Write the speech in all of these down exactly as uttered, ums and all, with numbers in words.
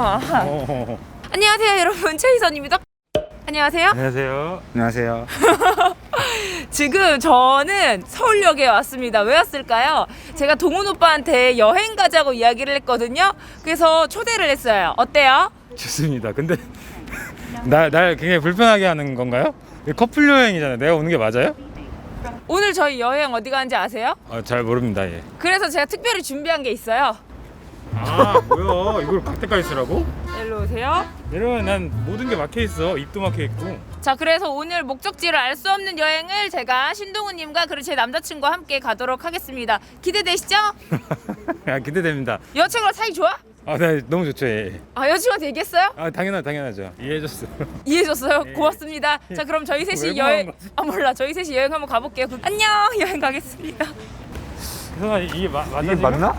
어. 안녕하세요 여러분, 최희선입니다. 안녕하세요. 안녕하세요. 안녕하세요. 지금 저는 서울역에 왔습니다. 왜 왔을까요? 제가 동훈 오빠한테 여행 가자고 이야기를 했거든요. 그래서 초대를 했어요. 어때요? 좋습니다. 근데 날, 날 굉장히 불편하게 하는 건가요? 커플 여행이잖아요. 내가 오는 게 맞아요? 오늘 저희 여행 어디 가는지 아세요? 아, 잘 모릅니다. 예. 그래서 제가 특별히 준비한 게 있어요. 아, 뭐야? 이걸 갈 때까지 쓰라고? 일로 오세요. 이러면 난 모든 게 막혀 있어. 입도 막혀 있고. 자, 그래서 오늘 목적지를 알 수 없는 여행을 제가 신동훈님과 그리고 제 남자친구와 함께 가도록 하겠습니다. 기대되시죠? 아, 기대됩니다. 여자친구랑 사이 좋아? 아, 네, 너무 좋죠. 예. 아, 여자친구한테 얘기했어요? 아, 당연하, 당연하죠. 이해해줬어. 이해해줬어요? 예. 고맙습니다. 자, 그럼 저희 셋이 왜 여행... 고마운 거지? 아, 몰라. 저희 셋이 여행 한번 가볼게요. 안녕! 여행 가겠습니다. 혜선아, 이게 마, 맞나? 이게 지금? 맞나?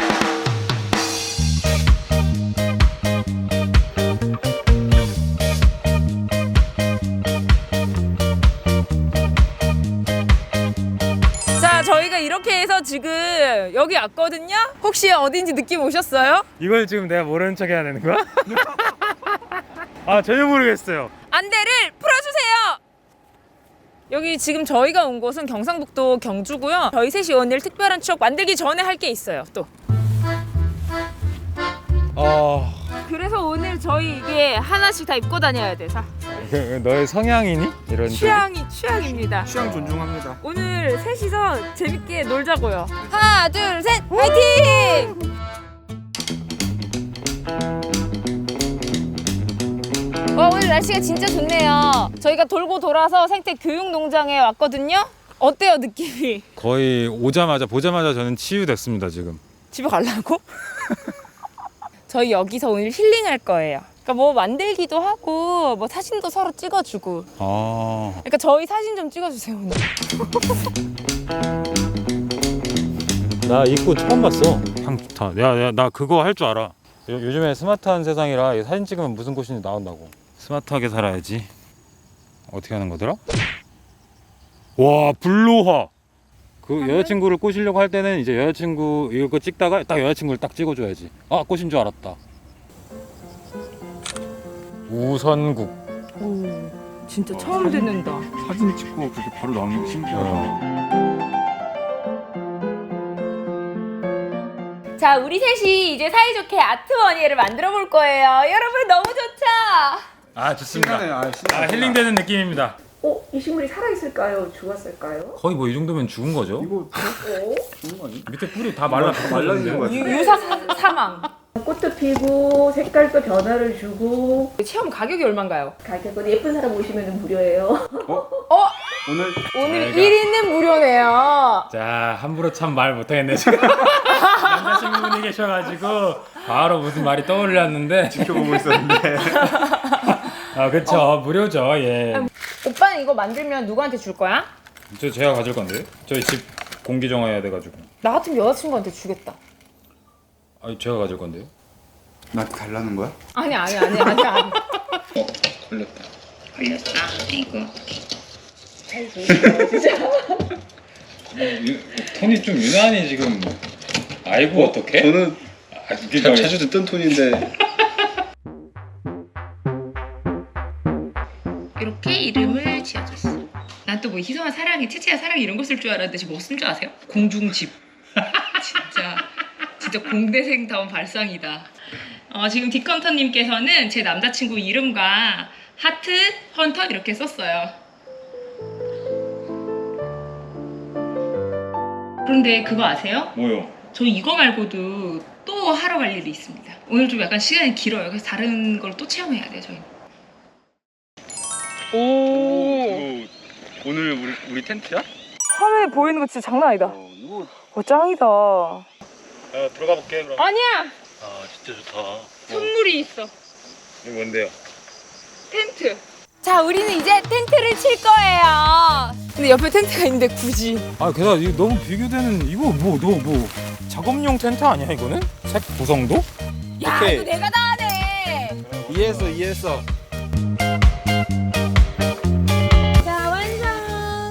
자, 저희가 이렇게 해서 지금 여기 왔거든요? 혹시 어딘지 느낌 오셨어요? 이걸 지금 내가 모르는 척 해야 되는 거야? 아, 전혀 모르겠어요. 안대를 풀어주세요! 여기 지금 저희가 온 곳은 경상북도 경주고요. 저희 셋이 오늘 특별한 추억 만들기 전에 할 게 있어요, 또. 아, 그래서 오늘 저희 이게 하나씩 다 입고 다녀야 돼. 자, 그, 너의 성향이니? 이런 취향이 취향입니다. 취향 존중합니다. 오늘 셋이서 재밌게 놀자고요. 하나, 둘, 셋, 화이팅! 와, 오늘 날씨가 진짜 좋네요. 저희가 돌고 돌아서 생태 교육농장에 왔거든요. 어때요, 느낌이? 거의 오자마자 보자마자 저는 치유됐습니다 지금. 집에 가려고? 저희 여기서 오늘 힐링할 거예요. 그러니까 뭐 만들기도 하고 뭐 사진도 서로 찍어주고. 아, 그러니까 저희 사진 좀 찍어주세요 오늘. 나 입고 처음 봤어. 향 좋다. 야, 야, 나 그거 할 줄 알아. 요, 요즘에 스마트한 세상이라 이 사진 찍으면 무슨 꽃인지 나온다고. 스마트하게 살아야지. 어떻게 하는 거더라? 와, 블로화. 그 여자친구를 꼬시려고 할 때는 이제 여자친구 이거 찍다가 딱 여자친구를 딱 찍어줘야지. 아, 꽃인 줄 알았다. 우선국. 오, 진짜 처음 듣는다. 사진 찍고 그렇게 바로 나오는 게 신기하다. 어. 자, 우리 셋이 이제 사이좋게 아트머니를 만들어 볼 거예요. 여러분 너무 좋죠? 아, 좋습니다. 신나네. 아, 신나. 아, 힐링되는 느낌입니다. 어, 이 식물이 살아있을까요? 죽었을까요? 거의 뭐 이 정도면 죽은 거죠? 이거 어? 좋은 거 아니야? 밑에 뿌리 다 말라 다 말라지는 거야. 유, 유사 사, 사망. 꽃도 피고 색깔도 변화를 주고 체험 가격이 얼마인가요? 가격은 예쁜 사람 오시면 무료예요. 어? 오늘 오늘 저희가- 일 인은 무료네요. 자, 함부로 참 말 못하겠네 지금. 남자친구분이 계셔가지고 바로 무슨 말이 떠올랐는데. 지켜보고 있었는데 아, 그쵸. 무료죠. 예. 오빠는 이거 만들면 누구한테 줄 거야? 저 제가 가질 건데요. 저희 집 공기 정화해야 돼가지고. 나 같으면 여자친구한테 주겠다. 아, 제가 가질 건데요. 나한테 달라는 거야? 아니 아니 아니 아니 아니. 걸렸다. 걸렸다. 이거. 잘 보이세요, 진짜. 톤이 좀 유난히 지금. 아이고, 어떡해? 저는 아, 이게 자, 자주 듣던 톤인데 이렇게 이름을 지어줬어. 난 또 뭐 희성아 사랑해, 채채야 사랑해 이런 거 쓸 줄 알았는데 지금 뭐 쓴 줄 아세요? 공중집. 진짜 진짜 공대생다운 발상이다. 어, 지금 디컨터님께서는 제 남자친구 이름과 하트, 헌터 이렇게 썼어요. 그런데 그거 아세요? 뭐요? 저 이거 말고도 또 하러 갈 일이 있습니다. 오늘 좀 약간 시간이 길어요. 그래서 다른 걸 또 체험해야 돼요, 저희는. 오. 이거 오늘 우리 우리 텐트야? 화면에 보이는 거 진짜 장난 아니다. 어, 이거 어, 짱이다. 아, 들어가 볼게 그럼. 아니야. 아 진짜 좋다. 선물이 있어. 이거 뭔데요? 텐트. 자, 우리는 이제 텐트를 칠 거예요. 근데 옆에 텐트가 있는데 굳이. 아, 게다가 이거 너무 비교되는 이거 뭐 너 뭐 작업용 텐트 아니야 이거는? 색 구성도? 야, 오케이. 이거 내가 다 하네. 이해했어 이해했어. 자, 완성.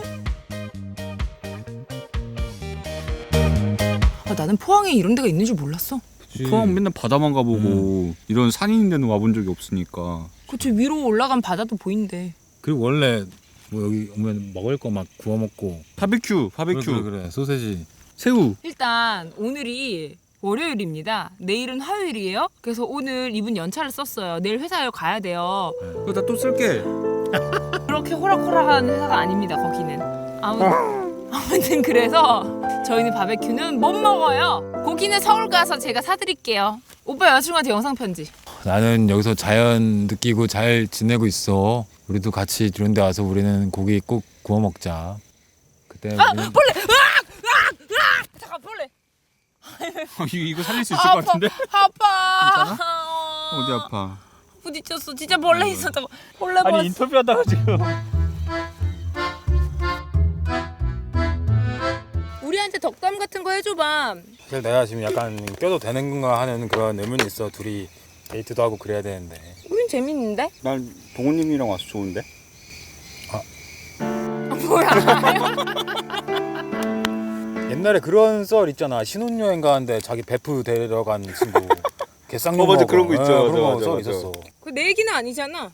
아, 나는 포항에 이런 데가 있는 줄 몰랐어. 포항 맨날 바다만 가보고 음. 이런 산 있는 데는 와본 적이 없으니까. 그쵸, 위로 올라간 바다도 보인대. 그리고 원래 뭐 여기 오면 먹을 거 막 구워 먹고 바베큐, 바베큐, 그래, 그래, 그래. 소세지. 새우. 일단 오늘이 월요일입니다. 내일은 화요일이에요. 그래서 오늘 이분 연차를 썼어요. 내일 회사에 가야 돼요. 이거 나 또 쓸게. 그렇게 호락호락한 회사가 아닙니다. 거기는. 아무, 아무튼 그래서 저희는 바베큐는 못 먹어요. 고기는 서울 가서 제가 사드릴게요. 오빠 여자친구한테 영상 편지. 나는 여기서 자연 느끼고 잘 지내고 있어. 우리도 같이 이런 데 와서 우리는 고기 꼭 구워 먹자. 그때 아 우리는- 벌레! 으악! 으악! 으악! 잠깐 벌레. 이거 살릴 수 있을 것 같은데? 아파. 어디 아파? 부딪혔어. 진짜 벌레 있었다고. 벌레 봤어. 아니 인터뷰하다가 지금 우리한테 덕담 같은 거 해줘봐. 사실 내가 지금 약간 껴도 되는 건가 하는 그런 의문이 있어. 둘이 데이트도 하고 그래야 되는데. 우린 재밌는데? 난 동훈님이랑 와서 좋은데? 뭐야? 옛날에 그런 썰 있잖아. 신혼여행 가는데 자기 베프 데려간 친구 개쌍욕 어, 맞아. 먹어. 그런 거 있죠. 예, 맞아, 그런 거 맞아, 썰 맞아. 있었어. 그 내 얘기는 아니잖아.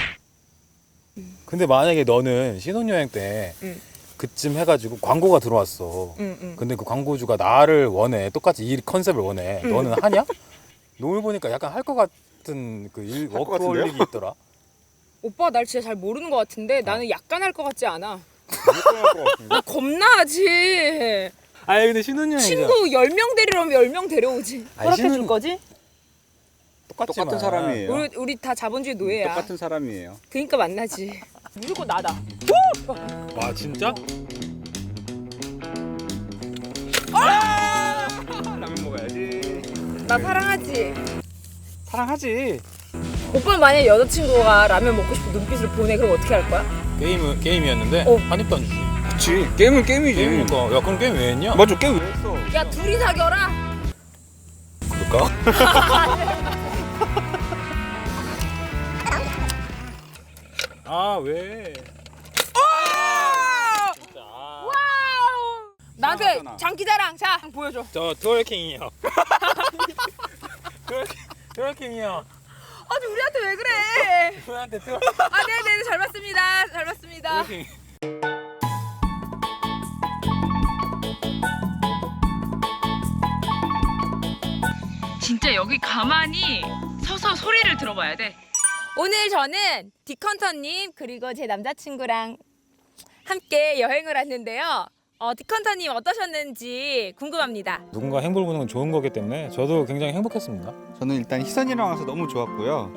근데 만약에 너는 신혼여행 때 응. 그쯤 해가지고 광고가 들어왔어. 응, 응. 근데 그 광고주가 나를 원해. 똑같이 이 컨셉을 원해. 응. 너는 하냐? 노을 보니까 약간 할 것 같은 그 일, 할것 워크홀릭이 있더라. 오빠 날 진짜 잘 모르는 것 같은데 나는 약간 할 것 같지 않아. 것 같은데? 나 겁나 하지. 아니 근데 신혼여행이잖아. 친구 열 명 데리러면 열 명 데려오지. 아니, 허락해 줄 신혼- 거지? 똑같지만. 똑같은 사람이에요. 우리 우리 다 자본주의 노예야. 똑같은 사람이에요. 그러니까 만나지. 무조건 나다. 와 진짜? 라면 먹어야지. 나 사랑하지. 사랑하지. 오빠는 만약 여자친구가 라면 먹고 싶어 눈빛을 보내 그럼 어떻게 할 거야? 게임 게임이었는데 어. 한 입도 안 주지. 그치. 게임은 게임이지. 게임이니까. 야 그럼 게임 왜 했냐? 맞아, 게임 왜 했어? 야 둘이 사겨라. 그럴까? 아 왜? 나한테 사랑하잖아. 장기자랑 자 보여줘. 저 트월킹이요. 트월킹 트월킹이요. 아니 우리한테 왜 그래? 저한테 트월 아 네네 잘 봤습니다. 잘 봤습니다. 트월킹. 진짜 여기 가만히 서서 소리를 들어봐야 돼. 오늘 저는 디컨터님 그리고 제 남자친구랑 함께 여행을 왔는데요. 어, 디컨터님 어떠셨는지 궁금합니다. 누군가 행복을 보는 건 좋은 거기 때문에 저도 굉장히 행복했습니다. 저는 일단 희선이랑 와서 너무 좋았고요.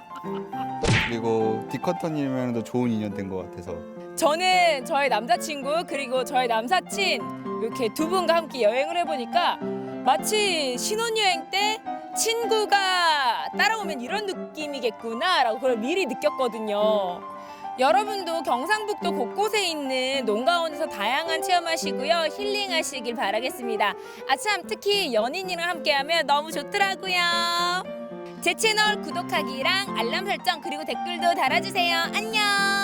그리고 디커터님이랑도 좋은 인연 된 것 같아서. 저는 저의 남자친구 그리고 저의 남사친 이렇게 두 분과 함께 여행을 해보니까 마치 신혼여행 때 친구가 따라오면 이런 느낌이겠구나라고 그걸 미리 느꼈거든요. 여러분도 경상북도 곳곳에 있는 농가원에서 다양한 체험하시고요. 힐링하시길 바라겠습니다. 아참 특히 연인이랑 함께하면 너무 좋더라고요. 제 채널 구독하기랑 알람 설정 그리고 댓글도 달아주세요. 안녕.